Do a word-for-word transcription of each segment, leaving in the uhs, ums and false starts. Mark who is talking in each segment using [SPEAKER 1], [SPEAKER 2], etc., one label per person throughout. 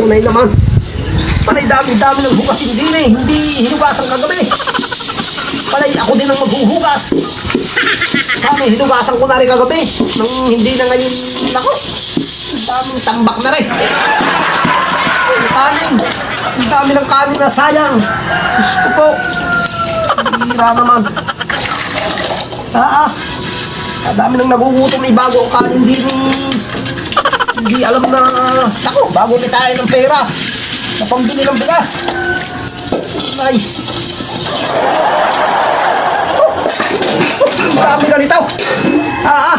[SPEAKER 1] tunay naman. Panay dami-dami ng hugasin din eh. Hindi hinugasan kagabi. Panay ako din ang maghuhugas. Sana hinugasan ko na rin kagabi. Nung hindi na ngayon, ako, daming tambak na rin. Ang kanin. Ang dami ng kanin na sayang. Diyos ko po. Hira naman. Ah, ah. Ang dami nang nagugutom. May bago ang kanin din. Hindi alam na. Ako, bago kitain ng pera. Sa pambili ng bigas. Ay. Oh. Marami ganito. Ah, ah.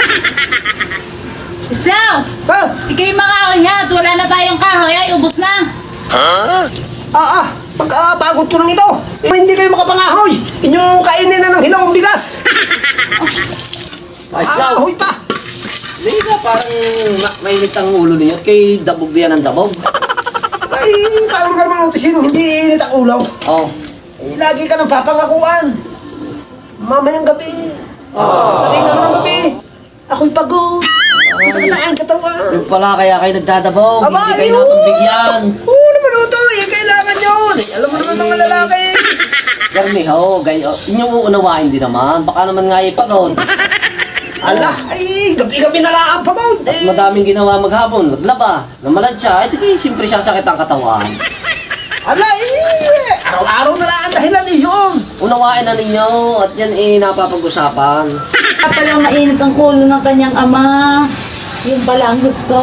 [SPEAKER 2] Islaw!
[SPEAKER 1] Ha?
[SPEAKER 2] Ikaw yung makakain nga at wala na tayong kahoy ay ubos na.
[SPEAKER 1] Ah, ah. Pagkapagod ko ng ito. Eh, hindi kayo makapangahoy. Inyong kainin na ng hilawang bigas.
[SPEAKER 3] Ay, Islaw.
[SPEAKER 1] Ahoy pa.
[SPEAKER 3] Hindi ka parang ma- mainit ang ulo niyo at kay dabog diyan ang dabog.
[SPEAKER 1] Ay, paano ka naman utisin? Hindi init ang ulaw.
[SPEAKER 3] Oh.
[SPEAKER 1] Eh, lagi ka nang papangakuan. Mamayang gabi. Oh. Lagi naman ang gabi. Ako'y pagod. Isa ka na ang katawan.
[SPEAKER 3] Yung pala kaya kayo nagdadabog.
[SPEAKER 1] Aba,
[SPEAKER 3] Hindi kayo
[SPEAKER 1] ayun.
[SPEAKER 3] napagbigyan.
[SPEAKER 1] Oo naman ito. Eh, kailangan yun. Eh, alam mo naman mga lalaki.
[SPEAKER 3] Garni ho, gayo. Inyong uunawain din naman. Baka naman nga ipagod.
[SPEAKER 1] Ala, ay, gabi-gabi na lang ang pagod. Eh,
[SPEAKER 3] Madaming ginawa maghapon. Naglaba, namalansya. Ay, di siyempre sasakit ang katawan.
[SPEAKER 1] ala, eh. Araw-araw na lang ang dahilan eh, yun.
[SPEAKER 3] Unawain na ninyo at yan eh napapag-usapan.
[SPEAKER 2] At palang mainit ang ulo ng kanyang ama. Yun pala ang gusto.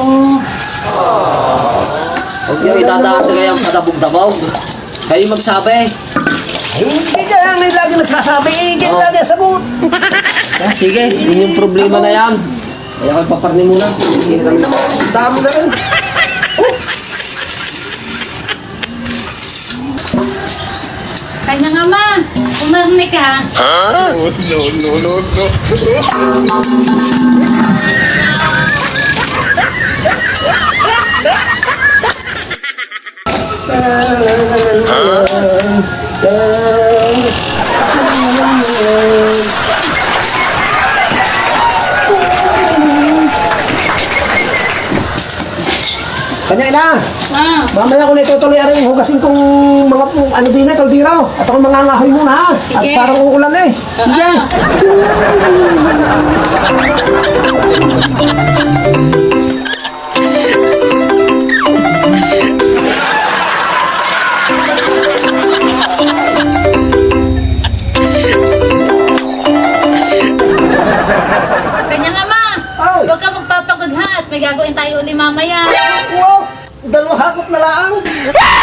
[SPEAKER 3] Huwag niyo itataas sa gayang kadabog-dabog. Kayo magsabi.
[SPEAKER 1] Ay, hindi ka lang eh, lagi nagsasabi. Eh, kaya
[SPEAKER 3] Oh.
[SPEAKER 1] lagi sabot.
[SPEAKER 3] Ah, sige, yun yung problema na yan. Kaya ako ipaparni muna. Sige,
[SPEAKER 1] Ay, naman, dami na rin.
[SPEAKER 2] Kanyang ama, umarni ka.
[SPEAKER 1] Kanya ina,
[SPEAKER 2] Ah,
[SPEAKER 1] mamaya ko na itutuloy rin yung hugasin kong mga pu- ano din na, kaldiro. At ako mangangahoy muna ha. At
[SPEAKER 2] Sige.
[SPEAKER 1] parang uulan eh. Sige.
[SPEAKER 2] ah. Kanyang ama,
[SPEAKER 1] Ay.
[SPEAKER 2] huwag ka magpapagod ha at may gagawin tayo uli mamaya.
[SPEAKER 1] Wow! Dalawang hakot na lang.